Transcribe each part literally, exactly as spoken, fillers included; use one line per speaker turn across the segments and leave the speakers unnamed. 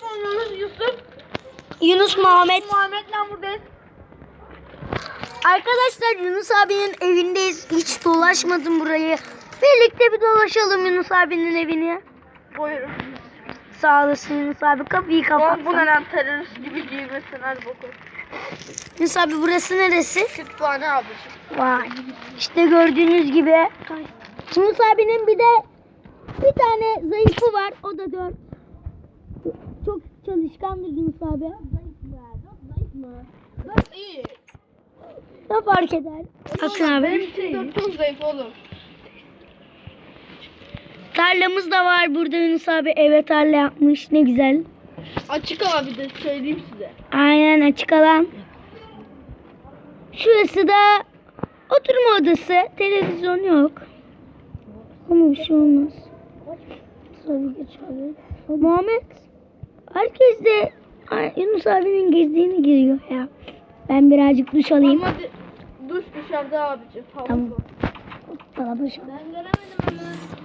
oynuyoruz Yusuf.
Yunus Muhammed.
Muhammed'le buradayız.
Arkadaşlar Yunus abinin evindeyiz. Hiç dolaşmadım burayı. Birlikte bir dolaşalım Yunus abinin evini.
Buyurun.
Sağ olasın Yunus abi. Kapıyı kapat.
Bu ne lan, terörist gibi giymesin hadi bakalım.
Yunus abi burası neresi?
Kütüphane abicim.
Vay. İşte gördüğünüz gibi. Yunus abinin bir de bir tane zayıfı var. O da dört. Çok çalışkandır Yunus abi.
Zayıf mı? Zayıf mı? Zayıf iyi.
Ne fark eder? Bakın abi.
Benim için dört çok zayıf oğlum.
Tarlamız da var burada Yunus abi. Eve tarla yapmış. Ne güzel.
Açık abi de söyleyeyim size.
Aynen açık alan. Şurası da oturma odası. Televizyon yok. Ama bir şey olmaz. Tabii geç abi. Muhammed. Herkes de Ay, Yunus abinin girdiğini giriyor ya. Ben birazcık duş alayım.
Ama de- duş dışarıda abicim. Havuz
Tamam.
var.
Bana duş al.
Ben göremedim ama.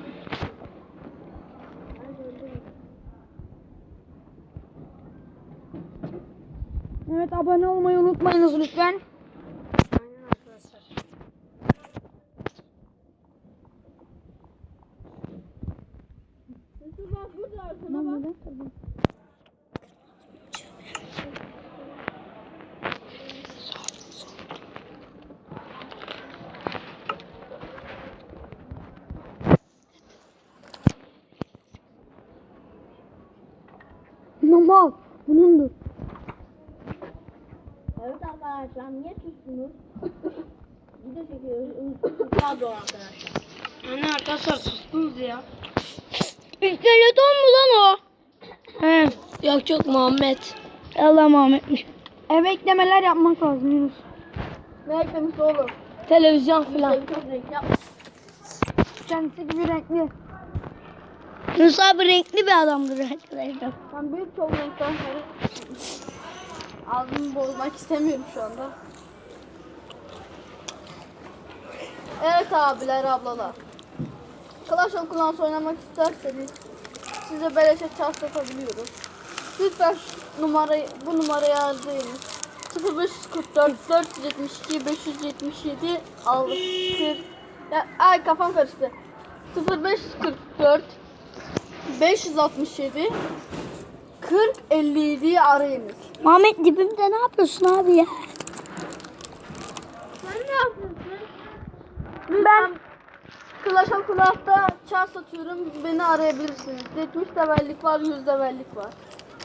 Evet, abone olmayı unutmayınız lütfen.
Aynen arkadaşlar. Yusuf bak burada arkana bak.
Normal. Bunundur.
Evet arkadaşlar, niye sustunuz? Video çekiyoruz. Pardon arkadaşlar.
Anne arkadaşlar sustunuz ya. İskeleton mu lan o? He. Yok çok Muhammed. Allah Muhammed'miş. Eve eklemeler yapmak lazım Yunus.
Ne eklemiş oğlum?
Televizyon falan.
Tabii çok renk yapmış.
Kendisi gibi renkli. Yunus abi renkli bir adamdır arkadaşlar.
Ben büyük çok renkten sonra ağzımı bozmak istemiyorum şu anda. Evet abiler, ablalar. Clash of Clans oynamak isterseniz size beleşe çarp satabiliyoruz. Lütfen şu numarayı, bu numarayı arayınız. sıfır beş kırk dört dört yüz yetmiş iki beş yüz yetmiş yedi altı ya, ay kafam karıştı. sıfır beş kırk dört beş yüz altmış yedi kırk elli yedi'yi arayınız.
Muhammed dibimde ne yapıyorsun abi ya?
Sen ne yapıyorsun? Ben Clash of Clans'ta çar satıyorum. Beni arayabilirsiniz. yetmiş levellik var, yüz levellik var.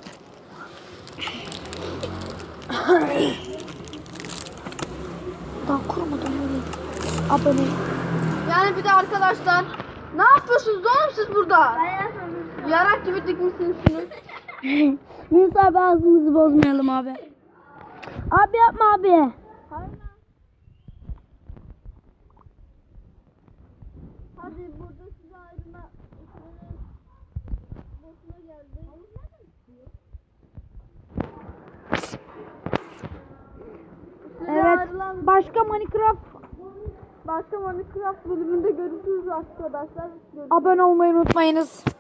Daha kurmadım öyle. Abone.
Yani bir de arkadaşlar, ne yapıyorsunuz oğlum siz burada? Yarak gibi dikmişsiniz şunu.
Yunus abi ağzımızı bozmayalım abi. Abi yapma abi.
Hayır. Hadi burada size ayrılma. Boşuna geldi.
Evet. Başka Minecraft
Başka Minecraft bölümünde görüşürüz arkadaşlar. Görüşürüz.
abone olmayı unutmayınız.